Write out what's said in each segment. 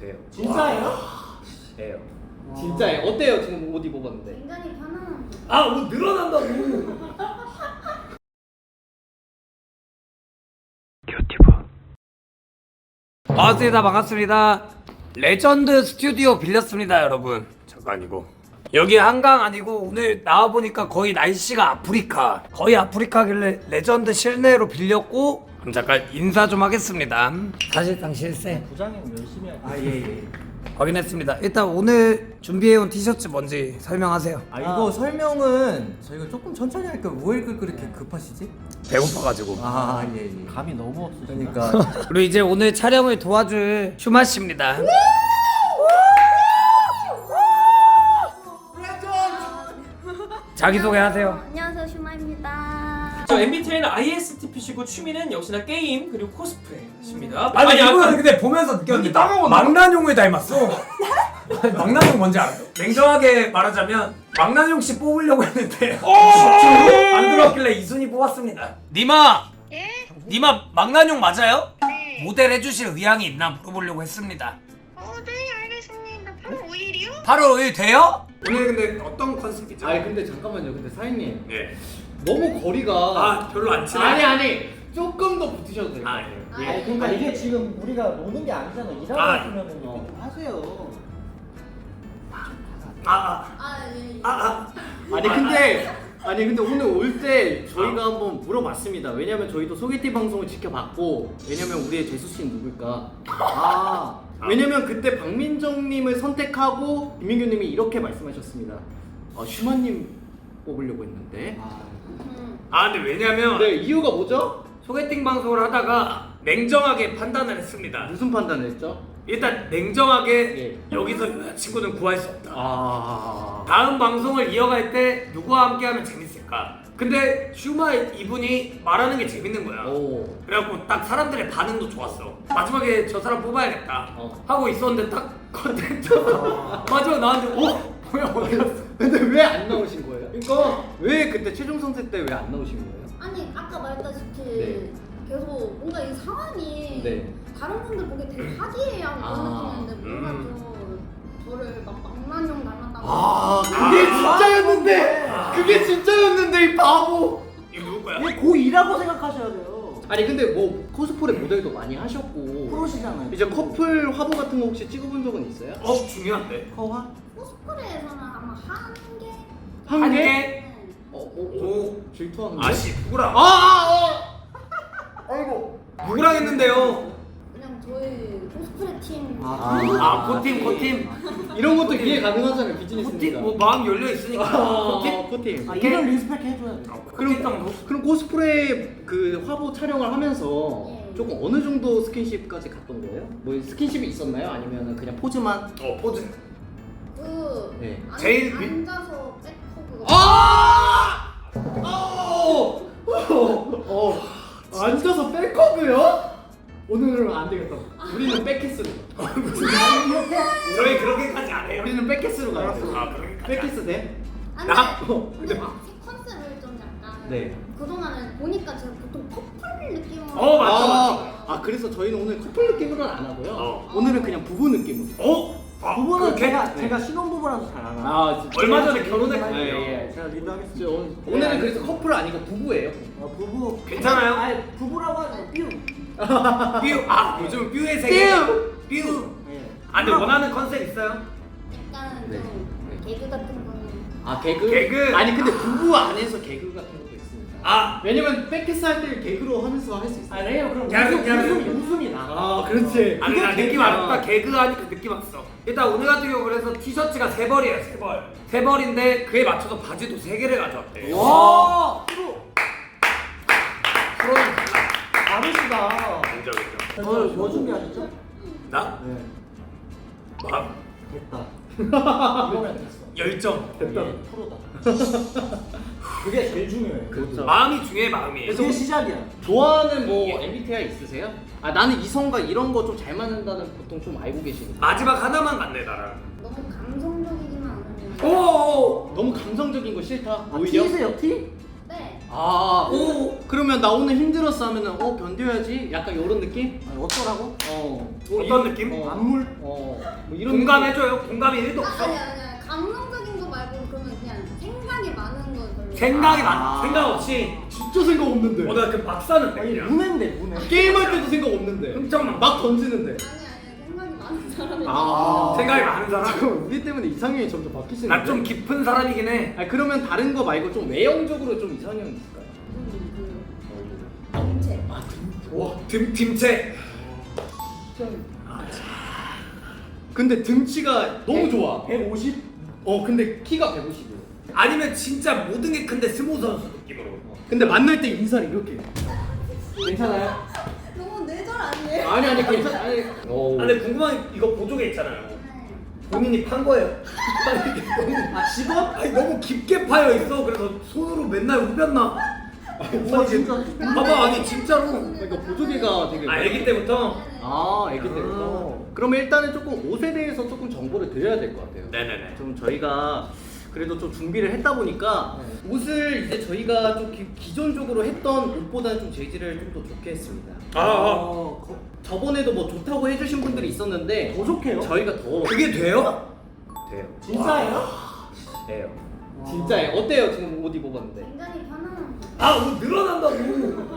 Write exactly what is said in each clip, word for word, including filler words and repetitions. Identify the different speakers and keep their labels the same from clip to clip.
Speaker 1: 돼요.
Speaker 2: 진짜예요?
Speaker 1: 돼요.
Speaker 3: 진짜예요? 어때요? 지금 옷 입어봤는데.
Speaker 4: 굉장히 편안한.
Speaker 1: 아, 옷 늘어난다고. 반갑습니다. 반갑습니다. 레전드 스튜디오 빌렸습니다, 여러분. 저거 아니고. 여기 한강 아니고 오늘 나와 보니까 거의 날씨가 아프리카. 거의 아프리카길래 레전드 실내로 빌렸고 그럼 잠깐 인사 좀 하겠습니다. 사실상 실세.
Speaker 2: 부장님 열심히 하고.
Speaker 3: 아, 예, 예.
Speaker 1: 확인했습니다. 일단 오늘 준비해온 티셔츠 뭔지 설명하세요.
Speaker 2: 아 이거 설명은 저희가 조금 천천히 할까요? 왜 그렇게 급하시지?
Speaker 1: 배고파가지고.
Speaker 2: 아 예, 예. 감이 너무 없으시니까. 그러니까
Speaker 1: 그리고 이제 오늘 촬영을 도와줄 슈마 씨입니다. 자기 소개하세요.
Speaker 4: 안녕하세요, 슈마입니다.
Speaker 5: 저 엠비티아이는 아이에스티피시고 취미는 역시나 게임 그리고 코스프레십니다.
Speaker 1: 아니, 아니
Speaker 5: 아까-
Speaker 1: 이거 근데 보면서 느꼈는데 망나뇽을 닮았어. 망나뇽 뭔지 알아요? 냉정하게 말하자면 망나뇽 씨 뽑으려고 했는데 안 들어왔길래 이순이 뽑았습니다. 니마!
Speaker 6: 예?
Speaker 1: 니마 망나뇽 맞아요?
Speaker 6: 네.
Speaker 1: 모델 해주실 의향이 있나 물어보려고 했습니다.
Speaker 6: 어, 네, 알겠습니다. 팔월 오일이요?
Speaker 1: 팔월 오일 돼요? 오늘 근데 어떤 컨셉이죠?
Speaker 3: 아니 근데 잠깐만요. 근데 사장님
Speaker 1: 예.
Speaker 3: 너무 거리가
Speaker 1: 아 별로 안 친해.
Speaker 3: 아니 아니 조금 더 붙으셔도 돼요.
Speaker 1: 아, 예.
Speaker 3: 예.
Speaker 2: 아니 그러니까 이게 지금 우리가 노는 게 아니잖아. 일하고
Speaker 1: 아,
Speaker 2: 있으면은 어. 하세요.
Speaker 1: 아, 아,
Speaker 4: 아, 예, 예.
Speaker 1: 아, 아.
Speaker 3: 아니 근데 아니 근데 오늘 올 때 저희가 한번 물어봤습니다. 왜냐면 저희도 소개팅 방송을 지켜봤고 왜냐면 우리의 재수 씨는 누굴까? 아 왜냐면 그때 박민정님을 선택하고 김민규님이 이렇게 말씀하셨습니다. 아 슈마님 뽑으려고 했는데.
Speaker 4: 음.
Speaker 1: 아 근데 왜냐면
Speaker 3: 네 이유가 뭐죠?
Speaker 1: 소개팅 방송을 하다가 냉정하게 판단을 했습니다.
Speaker 3: 무슨 판단을 했죠?
Speaker 1: 일단 냉정하게
Speaker 3: 예.
Speaker 1: 여기서 여자친구는 구할 수 없다.
Speaker 3: 아
Speaker 1: 다음 방송을 이어갈 때 누구와 함께 하면 재밌을까? 근데 슈마 이분이 말하는 게 재밌는 거야.
Speaker 3: 오.
Speaker 1: 그래갖고 딱 사람들의 반응도 좋았어. 마지막에 저 사람 뽑아야겠다
Speaker 3: 어.
Speaker 1: 하고 있었는데 딱 컨텐츠 마지막 나한테 어? 뭐야 어디 갔어?
Speaker 3: 근데 왜 안 나오신 거예요? 그러니까 왜 그때 최종 선택 때 왜 안 나오신 거예요?
Speaker 4: 아니, 아까 말했다시피
Speaker 3: 네.
Speaker 4: 계속 뭔가 이 상황이
Speaker 3: 네.
Speaker 4: 다른 분들 보기에 되게 화기애애한 그런
Speaker 3: 아,
Speaker 4: 느낌인데 뭔가
Speaker 1: 음.
Speaker 4: 좀 저를 막 망나뇽 닮았다고.
Speaker 3: 아 그게 진짜였는데 그게 진짜였는데 이 바보.
Speaker 1: 이거 누구 거야?
Speaker 2: 이게 고이라고 생각하셔야 돼요.
Speaker 3: 아니 근데 뭐 코스프레 모델도 많이 하셨고
Speaker 2: 프로시잖아요.
Speaker 3: 이제 커플 화보 같은 거 혹시 찍어본 적은 있어요?
Speaker 1: 어 중요한데.
Speaker 2: 커화?
Speaker 4: 코스프레에서는 아마 한 개?
Speaker 3: 한
Speaker 1: 한
Speaker 3: 개?
Speaker 1: 개?
Speaker 4: 네.
Speaker 3: 어, 어, 어.
Speaker 1: 오.
Speaker 3: 질투하는데?
Speaker 1: 아씨 누구랑?
Speaker 3: 아, 아, 아! 아이고
Speaker 1: 누구랑 했는데요?
Speaker 4: 그냥 저희 코스프레 팀.
Speaker 2: 아,
Speaker 1: 아 코팀 코팀.
Speaker 3: 이런 것도 이해 가능하잖아요 비즈니스니까.
Speaker 1: 코팀 뭐 마음 열려 있으니까.
Speaker 3: 아,
Speaker 1: 코팀.
Speaker 3: 코팀.
Speaker 2: 아 이런 리스펙 해줘야 돼.
Speaker 1: 코팀 정도.
Speaker 3: 그럼 코스프레 그 화보 촬영을 하면서
Speaker 4: 예.
Speaker 3: 조금 어느 정도 스킨십까지 갔던 거예요? 뭐 스킨십이 있었나요? 아니면 그냥 포즈만?
Speaker 1: 어 포즈.
Speaker 4: 그
Speaker 3: 네.
Speaker 4: 앉-
Speaker 1: 제일 그-
Speaker 4: 앉아서 백허그.
Speaker 3: 아! 어! 어! 앉아서 백허그요? 오늘은 안 되겠다. 우리는 백키스로.
Speaker 1: 저희 그렇게까지 안 해요.
Speaker 3: 우리는 백키스로 가야 돼.
Speaker 1: 아 그러니까.
Speaker 3: 백키스 돼?
Speaker 4: 아니,
Speaker 1: 나?
Speaker 4: 근데 막 컨셉을 좀 약간
Speaker 3: 네.
Speaker 4: 그동안은 보니까 제가 보통 커플 느낌으로.
Speaker 1: 어, 맞다,
Speaker 3: 아, 아 그래서 저희는 오늘 커플 느낌으로는 안 하고요.
Speaker 1: 어.
Speaker 3: 오늘은 그냥 부부 느낌으로.
Speaker 1: 어? 아,
Speaker 2: 부부는
Speaker 1: 그렇게?
Speaker 2: 제가
Speaker 3: 네.
Speaker 2: 제가 신혼부부라서 잘 알아.
Speaker 3: 아, 진짜.
Speaker 1: 얼마 전에
Speaker 2: 제가
Speaker 1: 결혼했거든요.
Speaker 2: 리드할게요.
Speaker 3: 예, 예.
Speaker 2: 제가 리드하겠습니다.
Speaker 3: 오늘, 오늘은 그래서 커플 아니고 부부예요.
Speaker 2: 어, 부부
Speaker 1: 괜찮아요?
Speaker 2: 아니 부부라고 하죠. 삐우.
Speaker 1: 뷰. 아 요즘 뷰의 세계. 뷰. 뷰.
Speaker 2: 예.
Speaker 1: 아 근데 원하는 컨셉 있어요?
Speaker 4: 약간
Speaker 3: 네.
Speaker 4: 좀 개그 같은 거는.
Speaker 3: 아 개그?
Speaker 1: 개그?
Speaker 3: 아니 근데 부부 안에서 개그 같은 것도 있습니다.
Speaker 1: 아.
Speaker 3: 왜냐면 백키스 할 때 개그로 하면서 할 수 있어요.
Speaker 2: 아 레이어 그럼
Speaker 1: 야근,
Speaker 2: 웃음,
Speaker 1: 야근.
Speaker 2: 웃음이 웃음이 나.
Speaker 3: 아 그렇지.
Speaker 1: 아니
Speaker 3: 그게
Speaker 1: 나 느낌
Speaker 3: 개그야.
Speaker 1: 왔다. 개그 하니까 느낌 왔어. 일단 오늘 같은 경우 그래서 티셔츠가 세 벌이에요. 세 벌. 세 벌인데 그에 맞춰서 바지도 세 개를 가져왔대.
Speaker 2: 와 프로.
Speaker 1: 프로는
Speaker 2: 다르시다.
Speaker 1: 인정 인정.
Speaker 2: 어, 뭐 준비하셨죠?
Speaker 1: 나?
Speaker 2: 네.
Speaker 1: 마음
Speaker 2: 됐다. 이거면 됐어.
Speaker 1: 열정.
Speaker 3: 됐다.
Speaker 2: 이게 프로다. 그게 제일 중요해.
Speaker 3: 그렇죠.
Speaker 1: 마음이 중요해 마음이.
Speaker 2: 그게 시작이야.
Speaker 3: 좋아하는 뭐 엠비티아이 있으세요? 아 나는 이성과 이런 거 좀 잘 맞는다는 보통 좀 알고 계시니까.
Speaker 1: 마지막 하나만 갔네 나랑.
Speaker 4: 너무 감성적이지만 않으면.
Speaker 1: 오.
Speaker 3: 너무 감성적인 거 싫다.
Speaker 2: 아,
Speaker 3: 오히려.
Speaker 2: T세요 T?
Speaker 4: 네.
Speaker 3: 아, 오, 그러면 나 오늘 힘들었어 하면은 어 견뎌야지. 약간 이런 느낌?
Speaker 2: 아니, 어쩌라고?
Speaker 3: 어.
Speaker 1: 어떤 느낌?
Speaker 3: 어,
Speaker 2: 안물?
Speaker 3: 어. 뭐 이런
Speaker 1: 공감해줘요. 공감이 일도
Speaker 4: 아,
Speaker 1: 없어.
Speaker 4: 아니 아니 아니 감성적인 거 말고 그러면 그냥 생각이 많은 거 별로.
Speaker 1: 생각이
Speaker 3: 아.
Speaker 1: 많 생각 없이.
Speaker 3: 느낌? 진짜 생각 없는데.
Speaker 1: 어, 나그 박사는
Speaker 2: 아니,
Speaker 1: 그냥.
Speaker 2: 문해인데, 문해.
Speaker 3: 게임할 때도 생각 없는데.
Speaker 1: 흥청만.
Speaker 3: 막 던지는데.
Speaker 4: 아니 아니 생각이 많은 사람이.
Speaker 3: 아.
Speaker 1: 생각이 많은 사람.
Speaker 3: 잠깐만, 우리 때문에 이상형이 점점 바뀌시는데.
Speaker 1: 나 좀 깊은 사람이긴 해.
Speaker 3: 아 그러면 다른 거 말고 좀 외형적으로 좀 이상형 있을까요?
Speaker 4: 전체.
Speaker 1: 와, dim 딤체.
Speaker 3: 근데 등치가 너무 좋아.
Speaker 2: 백오십?
Speaker 3: 어 근데 키가 백오십이에요.
Speaker 1: 아니면 진짜 모든 게 큰데 스모 선수 느낌으로.
Speaker 3: 근데 만날 때 인사를 이렇게. 괜찮아요?
Speaker 4: 너무 뇌절 아니에요?
Speaker 3: 아니 아니 괜찮아. 아니. 오.
Speaker 1: 아, 근데 궁금한 게 이거 보조개 있잖아요. 본인이 판 거예요.
Speaker 3: 아 직업?
Speaker 1: 아니 너무 깊게 파여 있어. 그래서 손으로 맨날 후볐나?
Speaker 2: 우와, 진짜.
Speaker 1: 봐봐, 아니 진짜로.
Speaker 3: 그러니까 보조개가 되게.
Speaker 1: 아, 아기 때부터.
Speaker 3: 아 애기 때부터. 그러면 일단은 조금 옷에 대해서 조금 정보를 드려야 될 것 같아요.
Speaker 1: 네네네.
Speaker 3: 좀 저희가 그래도 좀 준비를 했다 보니까 옷을 이제 저희가 좀 기, 기존적으로 했던 옷보다는 좀 재질을 좀 더 좋게 했습니다.
Speaker 1: 아, 아.
Speaker 2: 어, 거-
Speaker 3: 저번에도 뭐 좋다고 해주신 분들이 있었는데
Speaker 2: 더 좋게요?
Speaker 3: 저희가 더
Speaker 1: 그게 돼요?
Speaker 3: 돼요.
Speaker 2: 진짜예요?
Speaker 3: 돼요. 진짜예요. 어때요? 지금 옷 입어봤는데.
Speaker 4: 굉장히 편안한.
Speaker 1: 아, 뭐 늘어난다고.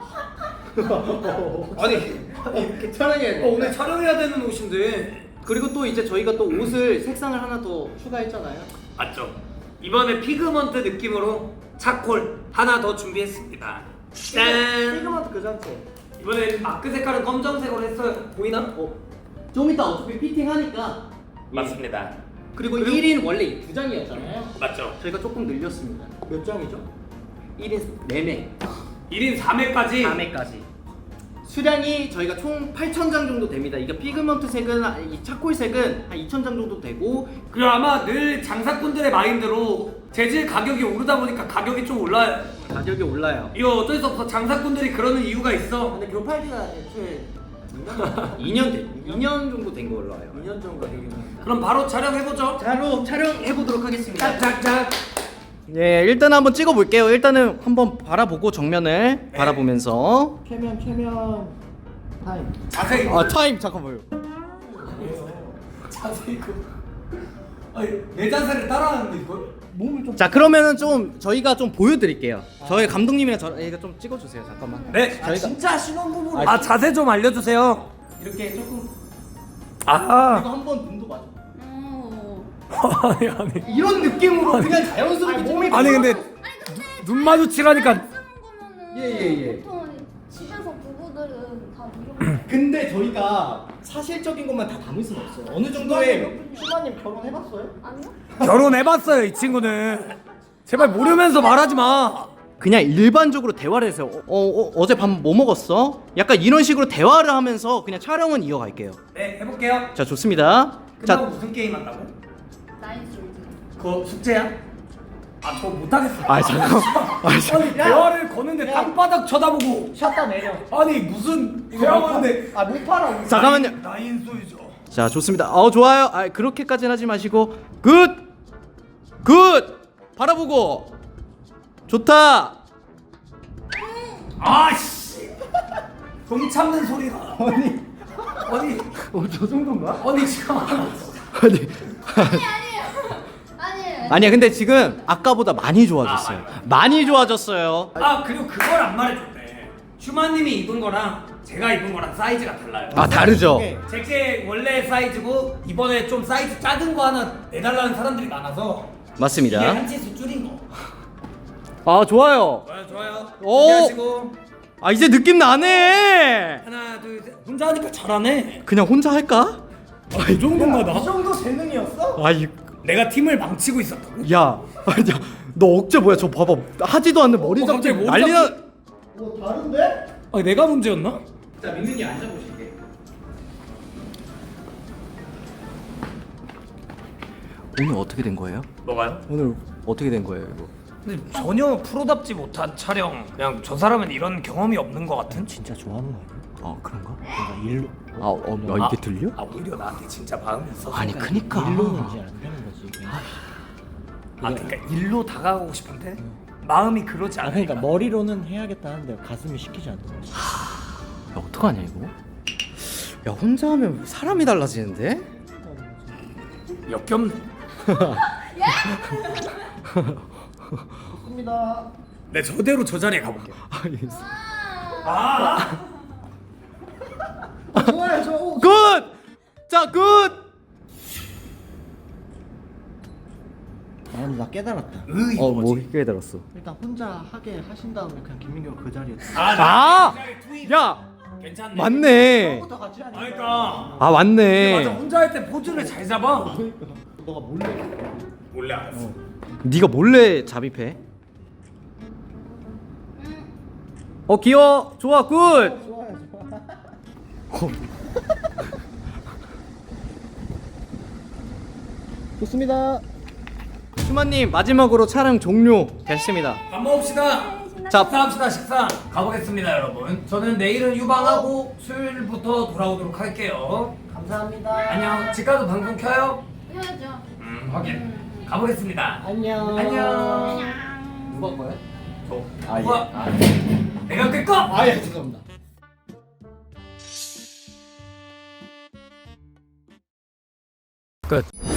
Speaker 1: 아니,
Speaker 3: 이렇게 촬영해야 돼.
Speaker 1: 어, 오늘 촬영해야 되는 옷인데.
Speaker 3: 그리고 또 이제 저희가 또 옷을 색상을 하나 더 추가했잖아요.
Speaker 1: 맞죠? 이번에 피그먼트 느낌으로 차콜 하나 더 준비했습니다. 짠!
Speaker 2: 피그먼트 그 자체.
Speaker 1: 이번에 마크 색깔은 검정색으로 했어요. 보이나?
Speaker 3: 어. 좀 이따 어차피 피팅하니까.
Speaker 1: 맞습니다.
Speaker 3: 그리고 일 인 원래 두 장이었잖아요.
Speaker 1: 맞죠?
Speaker 3: 저희가 조금 늘렸습니다.
Speaker 2: 몇 장이죠?
Speaker 3: 일 인 네 매.
Speaker 1: 일 인 사 매까지.
Speaker 3: 사 매까지. 수량이 저희가 총 팔천 장 정도 됩니다. 이게 피그먼트 색은 이 차콜 색은 한 이천 장 정도 되고
Speaker 1: 그리고 아마 늘 장사꾼들의 마인드로 재질 가격이 오르다 보니까 가격이 좀 올라요.
Speaker 3: 가격이 올라요.
Speaker 1: 이거 어쩔 수 없어. 장사꾼들이 그러는 이유가 있어.
Speaker 2: 근데 교팔기가 애초에
Speaker 3: 이 년 돼. 이 년 정도 된 걸로 알아요.
Speaker 2: 이 년 정도 되긴 합니다.
Speaker 1: 그럼 바로 촬영해보죠.
Speaker 3: 바로 촬영해 보도록 하겠습니다.
Speaker 1: 짝짝짝.
Speaker 3: 네, 일단 한번 찍어 볼게요. 일단은 한번 바라보고 정면을 바라보면서
Speaker 2: 최면, 최면 타임.
Speaker 1: 자세히.
Speaker 3: 아, 타임 잠깐만요.
Speaker 1: 자세히. 아니, 내 자세를 따라하는데 이걸?
Speaker 2: 몸을 좀.
Speaker 3: 자, 그러면은 좀 저희가 좀 보여 드릴게요. 저희 감독님이랑 저희가 좀 찍어 주세요. 잠깐만.
Speaker 1: 네.
Speaker 2: 아, 진짜 신혼부부를.
Speaker 1: 아, 자세 좀 알려주세요.
Speaker 3: 이렇게 조금
Speaker 1: 아.
Speaker 3: 이거 한번 눈도 맞아.
Speaker 4: 어.
Speaker 1: 아니 아니.
Speaker 3: 이런 느낌으로 그냥 자연스럽게 몸이
Speaker 1: 아니 근데
Speaker 4: 아니 근데
Speaker 1: 눈 마주치라니까.
Speaker 4: 쓰는 거면은
Speaker 3: 예, 예, 예.
Speaker 4: 보통 집에서 부부들은 다 이런.
Speaker 3: 근데 저희가 사실적인 것만 다 담을 수는 없어요. 어느 정도의
Speaker 2: 슈마님 결혼해봤어요?
Speaker 4: 아니요?
Speaker 1: 결혼해봤어요 이 친구는. 제발 모르면서 말하지 마.
Speaker 3: 그냥 일반적으로 대화를 해서 어, 어, 어제 밤 뭐 먹었어? 약간 이런 식으로 대화를 하면서 그냥 촬영은 이어갈게요.
Speaker 1: 네 해볼게요.
Speaker 3: 자, 좋습니다.
Speaker 1: 끝나고
Speaker 3: 자,
Speaker 1: 무슨 게임 한다고?
Speaker 4: 나인 솔즈.
Speaker 1: 그거 숙제야? 아 저 못하겠어.
Speaker 3: 아 잠깐. 아, 잠깐.
Speaker 1: 아니 대화를 거는데 땅바닥 쳐다보고.
Speaker 2: 쉬었다 내려.
Speaker 1: 아니 무슨 대화하는데.
Speaker 2: 아, 못 팔아.
Speaker 3: 잠깐만요.
Speaker 1: 나인 소유죠.
Speaker 3: 자, 좋습니다. 어, 좋아요. 아, 그렇게까지는 하지 마시고 굿! 굿! 바라보고 좋다.
Speaker 1: 아씨. 동 참는 소리가. 아니 아니
Speaker 2: 어, 저 정도인가?
Speaker 1: 아니 지금.
Speaker 3: 아니.
Speaker 4: 아니 아니에요. 아니에요.
Speaker 3: 아니야, 근데 지금 아까보다 많이 좋아졌어요. 많이 좋아졌어요.
Speaker 1: 아 그리고 그걸 안 말해줬대. 슈마님이 입은 거랑 제가 입은 거랑 사이즈가 달라요.
Speaker 3: 아, 다르죠.
Speaker 1: 제게 원래 사이즈고 이번에 좀 사이즈 작은 거 하나 내달라는 사람들이 많아서 이게
Speaker 3: 맞습니다.
Speaker 1: 한 치수 줄인 거.
Speaker 3: 아, 좋아요.
Speaker 1: 좋아요 좋아요.
Speaker 3: 오!
Speaker 1: 준비하시고
Speaker 3: 아, 이제 느낌 나네.
Speaker 1: 하나 둘 셋. 혼자 하니까 잘하네.
Speaker 3: 그냥 혼자 할까?
Speaker 1: 아이 정도인가 나?
Speaker 2: 이 정도 재능이었어?
Speaker 3: 아, 이
Speaker 1: 내가 팀을 망치고 있었다고?
Speaker 3: 야, 아니, 야, 너 억제 뭐야? 저 봐봐, 하지도 않는 머리
Speaker 1: 어,
Speaker 3: 잡지
Speaker 1: 갑자기 머리
Speaker 3: 난리나.
Speaker 1: 잡지?
Speaker 2: 뭐 다른데?
Speaker 1: 아 내가 문제였나?
Speaker 3: 자, 민민이 앉아보실게. 오늘 어떻게 된 거예요?
Speaker 1: 뭐가요?
Speaker 3: 오늘 어떻게 된 거예요, 이거?
Speaker 1: 근데 전혀 프로답지 못한 촬영. 그냥 저 사람은 이런 경험이 없는 것 같은.
Speaker 2: 진짜 좋아하는 거 아니야?
Speaker 3: 아, 그런가?
Speaker 2: 내가 일로.
Speaker 3: 아, 어, 야, 이게 들려?
Speaker 1: 아 오히려 나한테 진짜 마음이 있어.
Speaker 3: 아니, 그니까.
Speaker 2: 일로는 이제 안 되는 거지. 그냥.
Speaker 1: 아 그러니까 일로 다가가고 싶은데 마음이 그러지
Speaker 2: 아
Speaker 1: 않아.
Speaker 2: 그러니까 머리로는 해야겠다 하는데 가슴이 시키지 않는 거지.
Speaker 3: 야 어떡하냐 이거? 야 혼자 하면 사람이 달라지는데?
Speaker 1: 역겹네.
Speaker 2: 좋습니다.
Speaker 1: 내 저대로 저 자리에 가볼게.
Speaker 4: 아.
Speaker 2: 좋아요 저. 오,
Speaker 3: 굿! 자 굿!
Speaker 2: 아, 나 깨달았다.
Speaker 1: 으이
Speaker 3: 어
Speaker 1: 뭐지?
Speaker 3: 뭐 깨달았어?
Speaker 2: 일단 혼자 하게 하신 다음에 그냥 김민규가 그 자리에.
Speaker 1: 아,
Speaker 3: 아!
Speaker 1: 나 투입.
Speaker 3: 야!
Speaker 1: 괜찮네.
Speaker 3: 맞네
Speaker 2: 처음부터 같이 하니까.
Speaker 1: 그러니까.
Speaker 3: 아 맞네
Speaker 1: 맞아, 혼자 할 때 포즈를 잘 잡아.
Speaker 2: 너가 몰래.
Speaker 1: 몰래 알았어.
Speaker 3: 네가 몰래 잠입해 어 귀여워 좋아 굿!
Speaker 2: 좋아요 좋아. 좋습니다.
Speaker 3: 슈마님 마지막으로 촬영 종료 됐습니다
Speaker 1: 밥 먹읍시다.
Speaker 3: 자
Speaker 1: 식사합시다 식사. 가보겠습니다 여러분. 저는 내일은 유방하고 수요일부터 돌아오도록 할게요.
Speaker 2: 감사합니다.
Speaker 1: 안녕. 집 가서 방송 켜요?
Speaker 4: 해야죠.
Speaker 1: 음 확인. 가보겠습니다.
Speaker 2: 안녕.
Speaker 1: 안녕.
Speaker 2: 누가 거야?
Speaker 1: 저.
Speaker 2: 아 예.
Speaker 1: 누가?
Speaker 2: 아,
Speaker 1: 내가 끌 거?
Speaker 2: 아 예. 죄송합니다.
Speaker 1: 끝.